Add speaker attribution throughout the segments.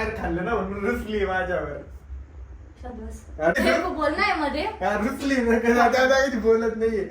Speaker 1: बाहेर खाल्लं ना म्हणून रुसली माझ्यावर.
Speaker 2: बोलना आहे मध्ये
Speaker 1: रुसली बोलत नाहीये.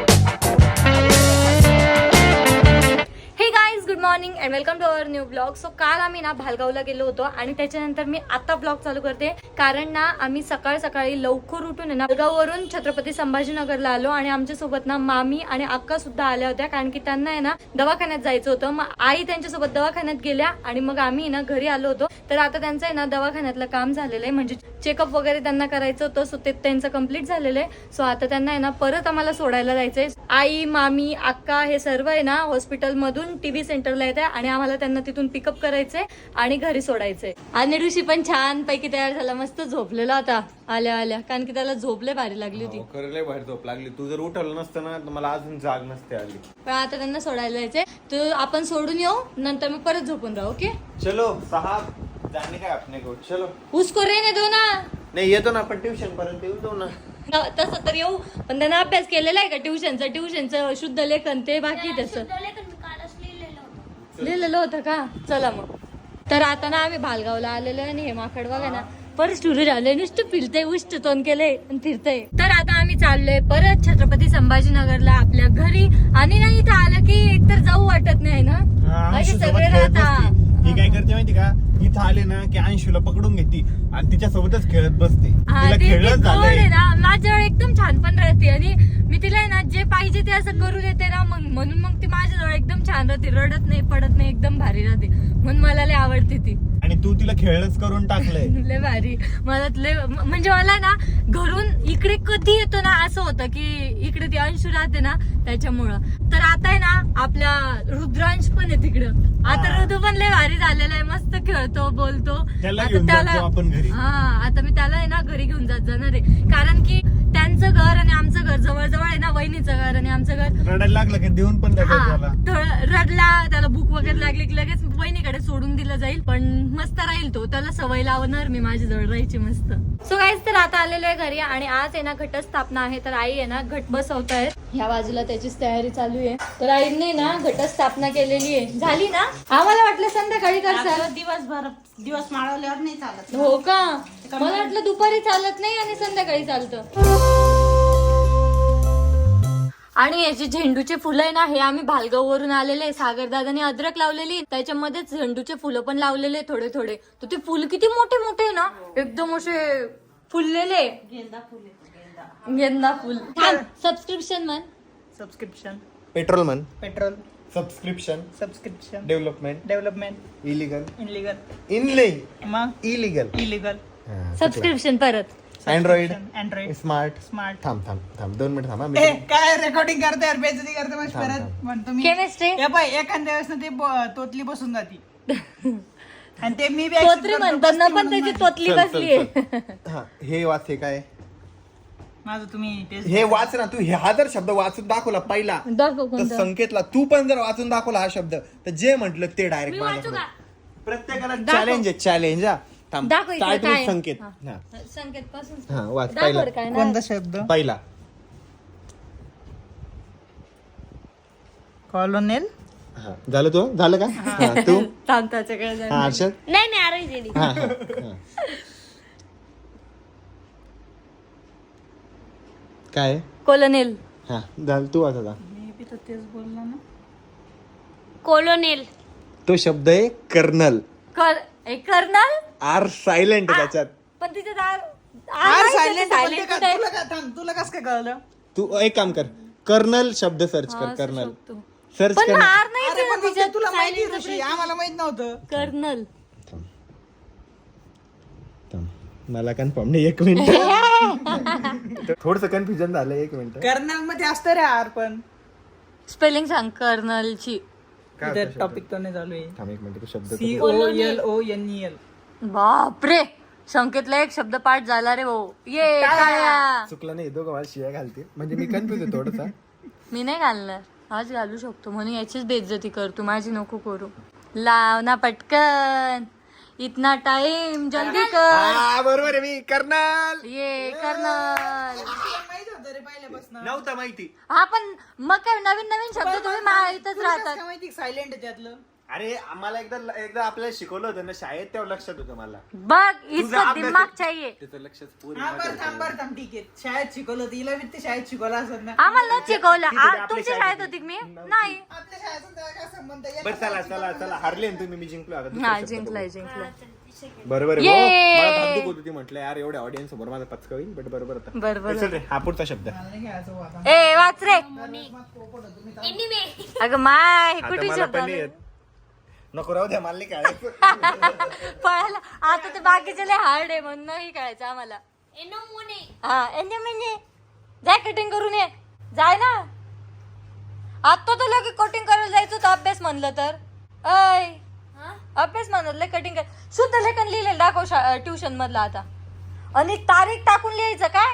Speaker 2: Hey guys, good morning and welcome to our new blog. So काल आम्ही ना भालगावला गेलो होतो आणि त्याच्यानंतर मी आता ब्लॉग चालू करते कारण ना आम्ही सकाळ सकाळी लवकर उठून ना भालगाववरून छत्रपती संभाजीनगरला आलो आणि आमच्यासोबत ना मामी आणि अक्का सुद्धा आल्या होत्या कारण की त्यांना आहे ना दवाखान्यात जायचं होतं. मग आई त्यांच्यासोबत दवाखान्यात गेल्या आणि मग आम्ही ना घरी आलो होतो. तर आता त्यांचं आहे ना दवाखान्यातलं काम झालेलं आहे, म्हणजे चेकअप वगैरे त्यांना करायचं होतं. सो ते त्यांचं कम्प्लीट झालेलं आहे. सो आता त्यांना आहे ना परत आम्हाला सोडायला जायचंय. आई, मामी, अक्का हे सर्व आहे ना हॉस्पिटलमधून टीव्ही सेंटरला येते आणि आम्हाला त्यांना तिथून पिकअप करायचंय आणि घरी सोडायचंय. आणि ऋषी पण छान पैकी तयार झाला, मस्त झोपलेला होता आल्या आल्या, कारण की त्याला झोपले भारी लागली होती.
Speaker 1: लय बाहेर झोप लागली. तू जर उठवलं नसतं ना तर मला अजून जाग नसते आली.
Speaker 2: पण आता त्यांना सोडायला जायचंय, तर आपण सोडून येऊ, नंतर मग परत झोपून राहू. ओके
Speaker 1: चलो साहब, जाने का अपने को. चलो
Speaker 2: उसको रहने दो ना.
Speaker 1: नाही येतो ना आपण ट्युशन पर्यंत येऊ दो ना.
Speaker 2: तसं तर येऊ, पण त्यांना अभ्यास केलेला आहे का ट्युशनचं शुद्ध लेखन ते बाकी त्याचं लिहिलेलं होतं का. चला मग. तर आता ना आम्ही भालगावला आलेलो आणि हे माकड बघा ना परत सुरू झालंय, नुसतं फिरतंय, उष्ट तोंड केलंय आणि फिरतंय. तर आता आम्ही चाललोय परत छत्रपती संभाजीनगरला आपल्या घरी. आणि ना इथं आलं की एकतर जाऊ वाटत नाही ना, सगळे राहतात.
Speaker 1: ही काय करते माहिती का, इथं आले ना की अंशूला पकडून घेते आणि तिच्या सोबतच खेळत बसते. तिला खेळत झालंय
Speaker 2: ना माझ्याजवळ एकदम छान पण राहते आणि मी तिला आहे ना जे पाहिजे ते असं करू देते ना, मग म्हणून मग ती माझ्याजवळ एकदम छान राहते, रडत नाही, पडत नाही, एकदम भारी राहते. म्हणून मला लय आवडते ती.
Speaker 1: आणि तू तिला खेळच करून टाकलंय.
Speaker 2: लय भारी. मला लय म्हणजे मला ना घरून इकडे कधी येतो ना असं होतं की इकडे ती अंशू राहते ना त्याच्यामुळं. तर आता आहे ना आपला रुद्रांश पण आहे तिकडं. आता ऋतू पण लय भारी झालेला आहे, मस्त खेळतो, बोलतो.
Speaker 1: त्याला घेऊन जातो आपण घरी.
Speaker 2: हा, आता मी त्याला आहे ना घरी घेऊन जाणार आहे, कारण की त्यांचं घर आणि आमचं घर जवळ जवळ आहे ना, वहिनीचं घर आणि आमचं घर.
Speaker 1: रडायला लागलं की देऊन पण
Speaker 2: रडला, त्याला भूक वगैरे लागली की लगेच वहिनीकडे सोडून दिलं जाईल. पण मस्त राहील तो, त्याला सवय लावणार मी माझ्याजवळ राहायची मस्त. सो गाईज, तर आता आलेलो आहे घरी आणि आज आहे ना घटस्थापना आहे. तर आई आहे ना घट बसवतायत, ह्या बाजूला त्याचीच तयारी चालू आहे. तर आईने ना घटस्थापना केलेली आहे. झाली ना, आम्हाला वाटलं संध्याकाळी करतात,
Speaker 3: दिवस माळवल्यावर नाही चालत.
Speaker 2: हो का, मला वाटलं दुपारी चालत नाही आणि संध्याकाळी चालतं. आणि हे जे झेंडूचे फुलं आहे ना, हे आम्ही भालगाव वरून आलेले. सागरदादाने अद्रक लावलेली, त्याच्यामध्ये झेंडूचे फुलं पण लावलेले थोडे थोडे. तर ते फुल किती मोठे मोठे आहे ना, एकदम असे फुललेले. गेंदा फुल. सबस्क्रिप्शन म्हण.
Speaker 3: सबस्क्रिप्शन.
Speaker 1: पेट्रोल मन.
Speaker 3: पेट्रोल.
Speaker 1: सबस्क्रिप्शन. डेव्हलपमेंट. इलिगल.
Speaker 3: मग इलिगल.
Speaker 2: सबस्क्रिप्शन परत.
Speaker 1: अँड्रॉइड.
Speaker 3: स्मार्ट.
Speaker 1: थांब 2 मिनिट थांबा.
Speaker 3: काय रेकॉर्डिंग करते यार, बेइज्जती करते मग परत म्हणतो मी.
Speaker 2: केमिस्ट्री.
Speaker 3: हे पाय एखाद्या वेळेस ना ती तोतली बसून जाती आणि ते मी
Speaker 2: तोतरी म्हणतात ना, पण त्याची तोतली बसली.
Speaker 1: हे वाच. हे काय
Speaker 3: माझं तुम्ही
Speaker 1: हे वाच ना तू. हा जर शब्द वाचून दाखवला पहिला तर संकेतला, तू पण जर वाचून दाखवला हा शब्द तर जे म्हटलं ते डायरेक्ट प्रत्येकाला चॅलेंज. हा थांब. संकेत.
Speaker 2: संकेत पासून
Speaker 1: हा वाच पहिला.
Speaker 3: कोणता शब्द?
Speaker 1: पहिला
Speaker 3: कॉलोनेल.
Speaker 1: हा झालं. तो झालं का? हा तू. हा हर्षद.
Speaker 2: नाही
Speaker 1: हा काय?
Speaker 2: कोलोनेल.
Speaker 1: हा झालं. तू वाच आता.
Speaker 3: मी बी तर तेच बोलला ना.
Speaker 2: कोलोनेल.
Speaker 1: तो शब्द आहे कर्नल.
Speaker 2: कर्नल.
Speaker 1: आर सायलेंट त्याच्यात.
Speaker 2: पण तिथे
Speaker 3: तुला कसं काय कळलं?
Speaker 1: तू एक काम कर, कर्नल शब्द सर्च कर. कर्नल सर्च कर.
Speaker 3: तुला माहिती, आम्हाला माहित नव्हतं.
Speaker 2: कर्नल.
Speaker 1: मला कन्फर्म नाही. 1 मिनिट. थोडस कन्फ्युजन झालं. 1 मिनिट.
Speaker 3: कर्नल मध्ये असतं रे आर, पण
Speaker 2: स्पेलिंग सांग कर्नलची.
Speaker 3: टॉपिक तो नाही चालू आहे.
Speaker 1: थांब 1 मिनिट. तो शब्द
Speaker 3: COLONEL.
Speaker 2: बापरे, संकेतला एक शब्द पाठ झाला रे भाऊ. ये काय
Speaker 1: चुकला नाही. दोघं मला शिव्या घालते म्हणजे मी कन्फ्युज आहे थोडसा.
Speaker 2: मी नाही घालणार, आज घालू शकतो म्हणून याचीच बेइज्जती करतो, माझी नको करू. लाव ना पटकन, इतना टाइम जल्दी कर.
Speaker 1: बरोबर आहे. मी कर्नल.
Speaker 2: ये कर्नल.
Speaker 1: नव्हतं माहिती.
Speaker 2: हा पण मग काय नवीन नवीन शब्द तुम्ही माहितच राहतात.
Speaker 3: माहिती सायलेंट त्यातलं.
Speaker 1: अरे आम्हाला एकदा आपल्याला शिकवलं होतं ना शाळेत, तेव्हा लक्षात होतं मला.
Speaker 2: बघ इसका दिमाग चाहिए.
Speaker 1: त्याचं लक्षच
Speaker 3: थांब ठीक आहे. शाळेत शिकवलं होतं हिला, मी ते शाळेत शिकवलं असत ना.
Speaker 2: आम्हाला नाही शिकवलं.
Speaker 1: किती आपल्या
Speaker 2: तुमच्या
Speaker 1: शाळेत
Speaker 2: शाळेत होती मी नाही.
Speaker 3: आपल्या शाळेचा त्याला काय संबंध आहे?
Speaker 1: बरं चला हारले ना तुम्ही, मी जिंकलो आता. दुसरा
Speaker 2: हा
Speaker 1: शब्द
Speaker 2: जिंकलाय
Speaker 1: बघू.
Speaker 2: जिंकलाय.
Speaker 1: बरोबर आहे.
Speaker 2: ये.
Speaker 1: मला धाकधूक होती ती, म्हटलं यार एवढ्या ऑडियन्स समोर माझा पचका होईल, बट बरोबर होता.
Speaker 2: बरोबर.
Speaker 1: चल रे, हा पुढचा शब्द.
Speaker 3: मला नाही खेळायचं हो आता.
Speaker 2: ए वाच रे.
Speaker 3: पोपट होतो मी.
Speaker 2: अगं माय
Speaker 1: आता
Speaker 2: कुठे
Speaker 1: मला
Speaker 2: शब्द
Speaker 1: पण नाही येत. नको राहू द्या, मला नाही खेळायचं.
Speaker 2: पळायला आता ते बाकीचे लय हार्ड आहे म्हणून नाही कळायचं आम्हाला. हा एन्जॉय जाय कटिंग करून ये. जाय ना आता तुला की कटिंग करायला जायचं तर अभ्यास म्हणलं तर ऐ अभ्यास म्हणलं कटिंग कर. शुद्ध लेखन लिहिलेलं दाखव ट्युशन मधलं आता. आणि तारीख टाकून लिहायचं काय?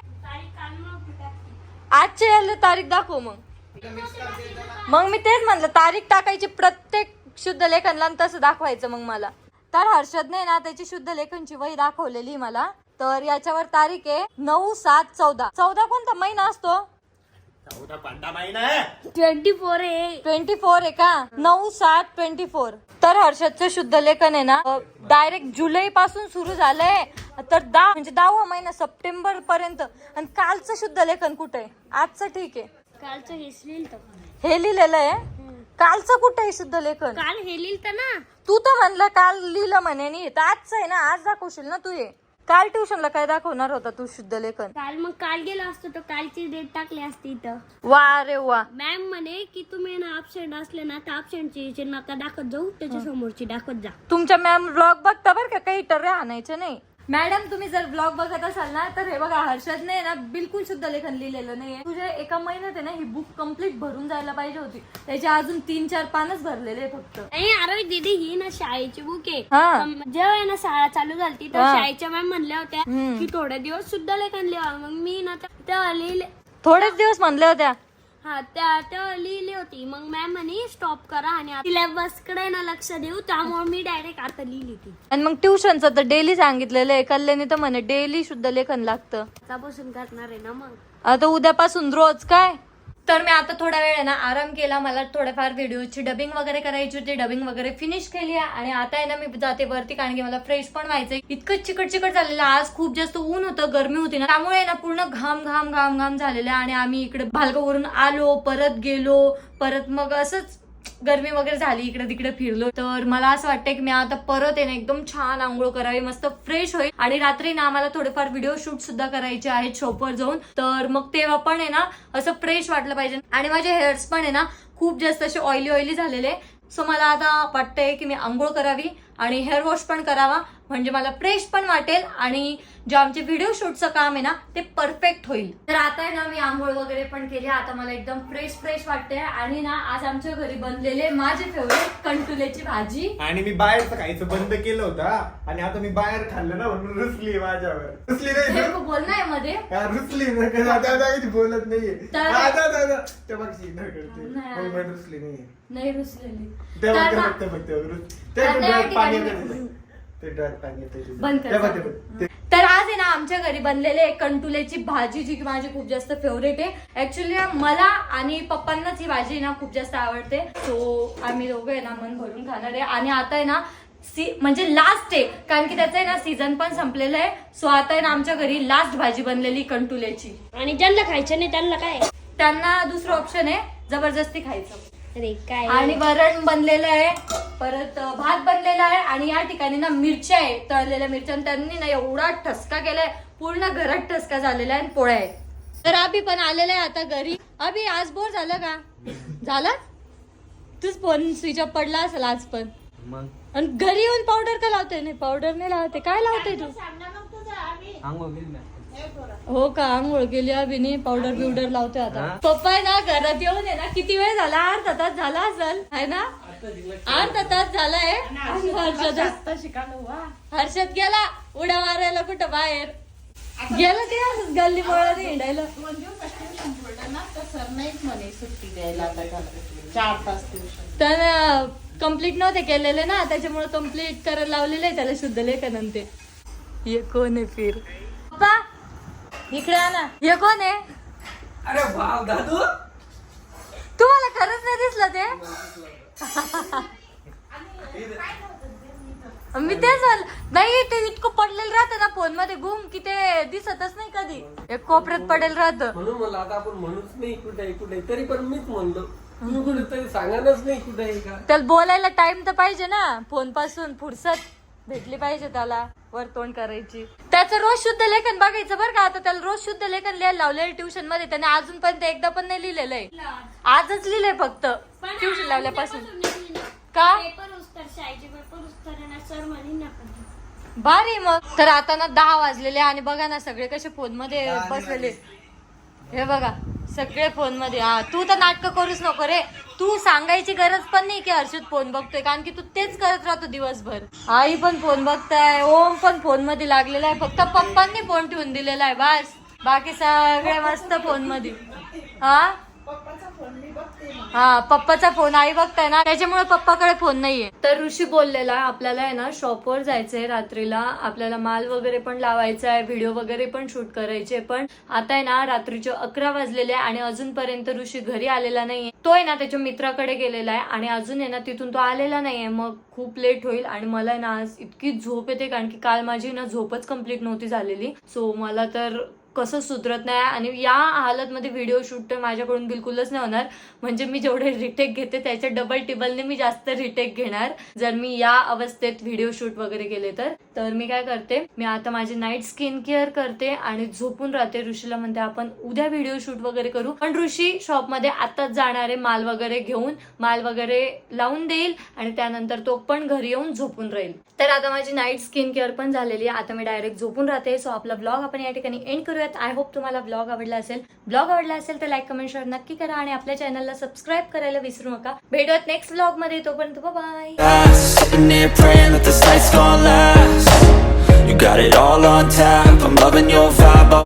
Speaker 2: आजची तारीख दाखव. मग मी तेच म्हणलं तारीख टाकायची प्रत्येक शुद्ध लेखनला आणि तसं दाखवायचं मग मला. तर हर्षदने ना त्याची शुद्ध लेखनची वही दाखवलेली मला. तर याच्यावर तारीख आहे 9/7/14. 14 कोणता महिना असतो? 24 आहे का? 9/7/24. तर हर्षदचं शुद्ध लेखन आहे ना डायरेक्ट जुलै पासून सुरू झालंय. तर 10 म्हणजे 10वा महिना सप्टेंबर पर्यंत. आणि कालचं शुद्ध लेखन कुठे आहे? आजचं ठीक आहे.
Speaker 4: कालचं
Speaker 2: हे लिहिलेलं आहे. कालचं कुठे आहे शुद्ध लेखन?
Speaker 4: काल हे लिहिलं ना.
Speaker 2: तू तर म्हणलं काल लिहिलं म्हणे नाही. तर आजचं आहे ना, आज दाखवशील ना तू. हे काल ट्युशनला काय दाखवणार होता तू शुद्ध लेखन?
Speaker 4: काल गेलो असतो तर कालची डेट टाकली असती इथं.
Speaker 2: वा रे वा.
Speaker 4: मॅम म्हणे की तुम्ही ना ऍबसेंट असले ना तर ऍबसेंटची नका दाखवत जाऊ, त्याच्या समोरची दाखवत जा.
Speaker 2: तुमच्या मॅम ब्लॉग बघता बरं का, काही टर्रे आणायचे नाही. मॅडम तुम्ही जर ब्लॉग बघत असाल ना तर हे बघा हर्षदने ना बिलकुल शुद्ध लेखन लिहिलेलं नाहीये. तुझ्या एका महिन्यात आहे ना ही बुक कम्प्लीट भरून जायला पाहिजे होती. त्याचे अजून 3-4 पानच भरलेले फक्त.
Speaker 4: अरे दीदी ही ना शाळेची बुक आहे.
Speaker 2: हा.
Speaker 4: जेव्हा ना शाळा चालू झाली तर शाळेच्या मॅम म्हणल्या होत्या की थोडे दिवस सुद्धा लेखन लिहा. मग मी ना तेव्हा लिहिले.
Speaker 2: थोडेच दिवस म्हणल्या होत्या.
Speaker 4: हा तेव्हा लिहिली होती. मग मॅम म्हणे स्टॉप करा आणि सिलेबस कडे ना लक्ष देऊ. त्यामुळे मी डायरेक्ट आता लिहिली ती.
Speaker 2: आणि मग ट्युशनचं तर डेली सांगितलेलं आहे. कल्याणी तर म्हणे डेली शुद्ध लेखन लागतं.
Speaker 4: आतापासून करणार आहे ना मग.
Speaker 2: आता उद्यापासून रोज काय. तर मी आता थोडा वेळ आहे ना आराम केला. मला थोड्याफार व्हिडिओची डबिंग वगैरे करायची होती. डबिंग वगैरे फिनिश केली आहे. आणि आता आहे ना मी जाते वरती, कारण की मला फ्रेश पण व्हायचंय. इतकं चिकट झालेलं. आज खूप जास्त ऊन होतं, गरमी होती ना, त्यामुळे ना पूर्ण घाम झालेलं. आणि आम्ही इकडे भालगाववरून आलो, परत गेलो, परत मग असंच गरमी वगैरे झाली, इकडे तिकडे फिरलो. तर मला असं वाटतंय की मी आता परत आहे ना एकदम छान आंघोळ करावी, मस्त फ्रेश होईल. आणि रात्री ना आम्हाला थोडेफार व्हिडिओ शूट सुद्धा करायचे आहेत शॉपवर जाऊन. तर मग तेव्हा पण आहे ना असं फ्रेश वाटलं पाहिजे. आणि माझे हेअर्स पण आहे ना खूप जास्त असे ऑइली झालेले. सो मला आता वाटतंय की मी आंघोळ करावी आणि हेअर वॉश पण करावा, म्हणजे मला फ्रेश पण वाटेल आणि जे आमचे व्हिडिओ शूटचं काम आहे ना ते परफेक्ट होईल. तर आता आहे ना मी आंघोळ वगैरे पण केली. आता मला एकदम फ्रेश वाटते. आणि ना आज आमच्या घरी बनलेले माझे फेवरेट कंटुलेची भाजी.
Speaker 1: आणि मी बाहेरचं खायचं बंद केलं होतं आणि आता मी बाहेर खाल्लं ना म्हणून रुसली माझ्यावर. रुसली नाही
Speaker 2: बोल नाही मध्ये
Speaker 1: रुसली बोलत नाहीये. ते बघ रुसली नाहीये.
Speaker 2: नाही रुसलेली. तर आज आहे ना आमच्या घरी बनलेले कंटुलेची भाजी, जी की माझी खूप जास्त फेवरेट आहे. ऍक्च्युली मला आणि पप्पांनाच ही भाजी ना खूप जास्त आवडते. सो आम्ही दोघं आहे ना मन भरून खाणार आहे. आणि आता आहे ना म्हणजे लास्ट आहे, कारण की त्याचं आहे ना सीझन पण संपलेलं आहे. सो आता आहे ना आमच्या घरी लास्ट भाजी बनलेली कंटुलेची.
Speaker 4: आणि ज्यांना खायचं नाही त्यांना काय,
Speaker 2: त्यांना दुसरं ऑप्शन आहे जबरदस्ती खायचं.
Speaker 4: अरे काय.
Speaker 2: आणि वरण बनलेलं आहे, परत भात बनलेला आहे. आणि या ठिकाणी ना मिरच्या आहे, तळलेल्या मिरच्या. त्यांनी ना एवढा ठसका केलाय, पूर्ण घरात ठसका झालेला आहे. आणि पोळ्या आहे. तर अभि पण आलेला आहे आता घरी. अभि आज बोर झालं का? झालं. तूच फोन स्विच ऑफ पडला असेल आज पण. आणि घरी येऊन पावडर का लावते? नाही पावडर नाही लावते. काय लावते तू? हो का, आंघोळ केली अभिने, पावडर बिवडर लावते आता. पप्पा आहे ना घरात येऊन आहे ना किती वेळ झाला, अर्धा तास झाला असेल है ना, अर्धा तास झालाय. हर्षद गेला उड्या मारायला कुठं बाहेर गेला, ते असंच गल्ली बोळा हिंडायला. तर कम्प्लीट नव्हते केलेले ना, त्याच्यामुळे कम्प्लीट करायला लावलेले आहे त्याला शुद्ध लेखन. ते ये कोण आहे फिर पप्पा इकडे ना, हे कोण आहे?
Speaker 3: अरे वाव दादू,
Speaker 2: तुम्हाला खरंच नाही दिसलं ते? मी तेच नाही, ते इतकं पडलेलं राहतं ना फोन मध्ये गुम की ते दिसतच नाही कधी. एक कोपऱ्यात पडेल राहतं.
Speaker 5: म्हणून मला आता आपण म्हणूच नाही कुठे तरी पण मीच म्हणलो तुम्ही कुठे तरी सांगायलाच नाही कुठे आहे का.
Speaker 2: त्याला बोलायला टाइम तर पाहिजे ना, फोन पासून फुरसत भेटली पाहिजे त्याला, वर तोंड करायची. त्याचं रोज शुद्ध लेखन बघायचं बरं का. आता त्याला रोज शुद्ध लेखन लिहायला लावलेलं ट्युशन मध्ये, त्याने अजूनपर्यंत एकदा पण नाही लिहिलेलं आहे. आजच लिहिलंय फक्त ट्युशन लावल्यापासून. का
Speaker 4: पेपर उस्तर शाळेचे पेपर उस्तर सर म्हणे ना
Speaker 2: भारी. मग तर आता ना 10 वाजलेले आणि बघा ना सगळे कसे फोन मध्ये बसलेले. हे बघा सगळे फोन मध्ये. हा तू तर नाटक करूच नको रे. तू सांगायची गरज पण नाही की हर्षद फोन बघतोय, कारण की तू तेच करत राहतो दिवसभर. आई पण फोन बघताय, ओम पण फोन मध्ये लागलेला आहे. फक्त पप्पांनी फोन ठेवून दिलेला आहे बस. बाकी सगळे मस्त फोन मध्ये. हा पप्पाचा फोन आई बघताय ना, त्याच्यामुळे पप्पाकडे फोन नाहीये. तर ऋषी बोललेला आपल्याला आहे ना शॉपवर जायचंय रात्रीला, आपल्याला माल वगैरे पण लावायचा आहे, व्हिडिओ वगैरे पण शूट करायचे. पण आता आहे ना रात्रीचे 11 वाजलेले आणि अजूनपर्यंत ऋषी घरी आलेला नाहीये. तो आहे ना त्याच्या मित्राकडे गेलेला आहे आणि अजून आहे ना तिथून तो आलेला नाहीये. मग खूप लेट होईल आणि मला आहे ना आज इतकी झोप येते, कारण की काल माझी ना झोपच कम्प्लीट नव्हती झालेली. सो मला तर कसं सुधरत नाही. आणि या हालतमध्ये व्हिडिओ शूट तर माझ्याकडून बिलकुलच नाही होणार. म्हणजे मी जेवढे रिटेक घेते त्याच्या डबल टिबलने मी जास्त रिटेक घेणार जर मी या अवस्थेत व्हिडिओ शूट वगैरे केले तर मी काय करते, मी आता माझी नाईट स्किन केअर करते आणि झोपून राहते. ऋषीला म्हणते आपण उद्या व्हिडिओ शूट वगैरे करू. पण ऋषी शॉपमध्ये आताच जाणार आहे माल वगैरे घेऊन, माल वगैरे लावून देईल आणि त्यानंतर तो पण घरी येऊन झोपून राहील. तर आता माझी नाईट स्किन केअर पण झालेली आहे. आता मी डायरेक्ट झोपून राहते. सो आपला ब्लॉग आपण या ठिकाणी एंड करूयात. आय होप तुम्हाला ब्लॉग आवडला असेल. ब्लॉग आवडला असेल तर लाईक कमेंट शेअर नक्की करा आणि आपल्या चॅनलला सबस्क्राईब करायला विसरू नका. भेटूयात नेक्स्ट ब्लॉग मध्ये. तोपर्यंत bye.
Speaker 6: Sitting here praying that this night's gonna last. You got it all on tap, I'm loving your vibe.